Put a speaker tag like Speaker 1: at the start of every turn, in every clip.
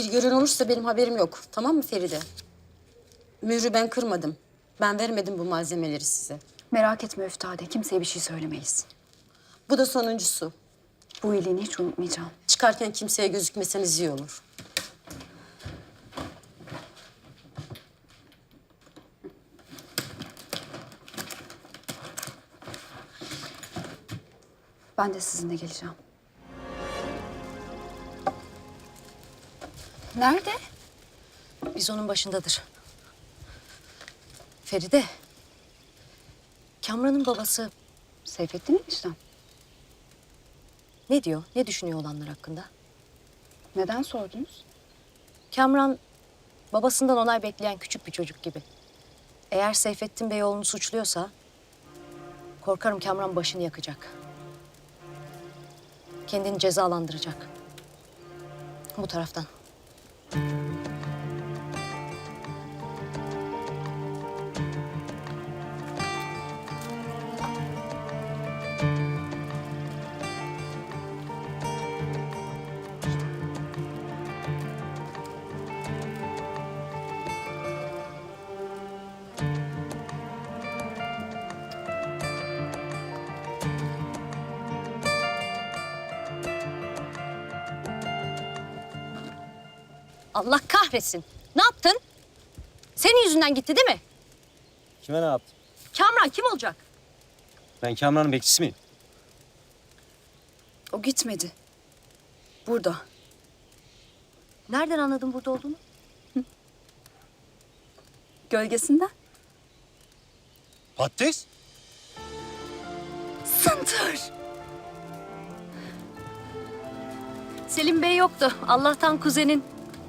Speaker 1: Bir gören olursa benim haberim yok. Tamam mı Feride? Mührü ben kırmadım. Ben vermedim bu malzemeleri size.
Speaker 2: Merak etme Üftade, kimseye bir şey söylemeyiz.
Speaker 1: Bu da sonuncusu.
Speaker 2: Bu iyiliğini hiç unutmayacağım.
Speaker 1: Çıkarken kimseye gözükmeseniz iyi olur.
Speaker 2: Ben de sizinle geleceğim. Nerede?
Speaker 1: Biz onun başındadır. Feride. Kamran'ın babası
Speaker 2: Seyfettin eniştem.
Speaker 1: ne diyor? Ne düşünüyor olanlar hakkında?
Speaker 2: Neden sordunuz?
Speaker 1: Kamran babasından onay bekleyen küçük bir çocuk gibi. Eğer Seyfettin Bey oğlunu suçluyorsa korkarım Kamran başını yakacak. Kendini cezalandıracak. Bu taraftan. Allah kahretsin. Ne yaptın? Senin yüzünden gitti değil mi?
Speaker 3: Kime ne yaptım?
Speaker 1: Kamran kim olacak?
Speaker 3: Ben Kamran'ın bekçisi miyim?
Speaker 2: O gitmedi. Burada.
Speaker 1: Nereden anladın burada olduğunu?
Speaker 2: Gölgesinden.
Speaker 3: Patates?
Speaker 2: Sıntır.
Speaker 1: Selim Bey yoktu. Allah'tan kuzenin.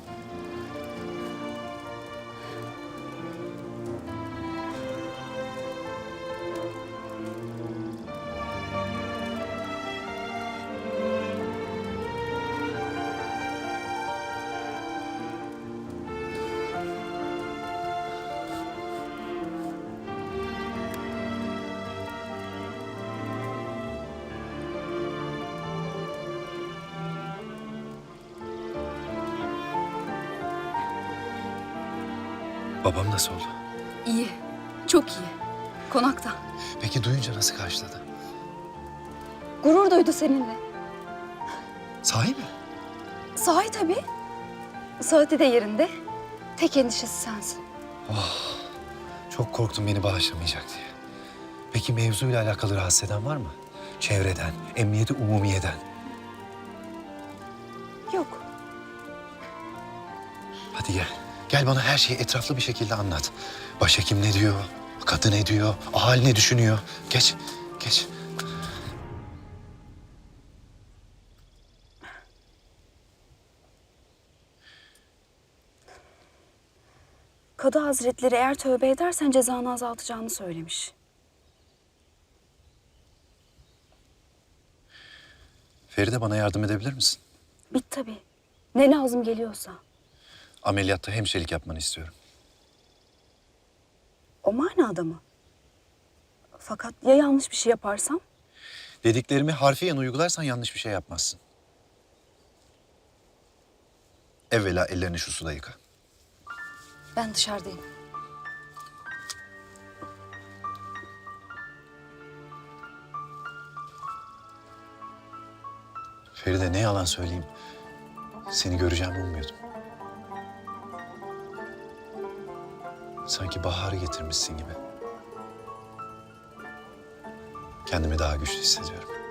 Speaker 4: Babam nasıl oldu?
Speaker 2: İyi. Çok iyi. Konakta.
Speaker 4: Peki duyunca nasıl karşıladı?
Speaker 2: Gurur duydu seninle.
Speaker 4: Sahi mi?
Speaker 2: Sahi tabii. Saati de yerinde. Tek endişesi sensin.
Speaker 4: Çok korktum beni bağışlamayacak diye. Peki mevzuyla alakalı rahatsız eden var mı? Çevreden, emniyeti umumiyeden.
Speaker 2: Yok.
Speaker 4: Hadi gel. Gel bana her şeyi etraflı bir şekilde anlat. Başhekim ne diyor? Kadın ne diyor? Ahali ne düşünüyor? Geç, geç.
Speaker 2: Kadı Hazretleri eğer tövbe edersen cezanı azaltacağını söylemiş.
Speaker 4: Feride bana yardım edebilir misin?
Speaker 2: Bit tabii. Ne lazım geliyorsa.
Speaker 4: Ameliyatta hemşirelik yapmanı istiyorum.
Speaker 2: O manada mı? Fakat ya yanlış bir şey yaparsam?
Speaker 4: Dediklerimi harfiyen uygularsan yanlış bir şey yapmazsın. Evvela ellerini şu suda yıka.
Speaker 1: Ben dışarıdayım.
Speaker 4: Feride ne yalan söyleyeyim. Seni göreceğimi ummuyordum. Sanki baharı getirmişsin gibi. Kendimi daha güçlü hissediyorum.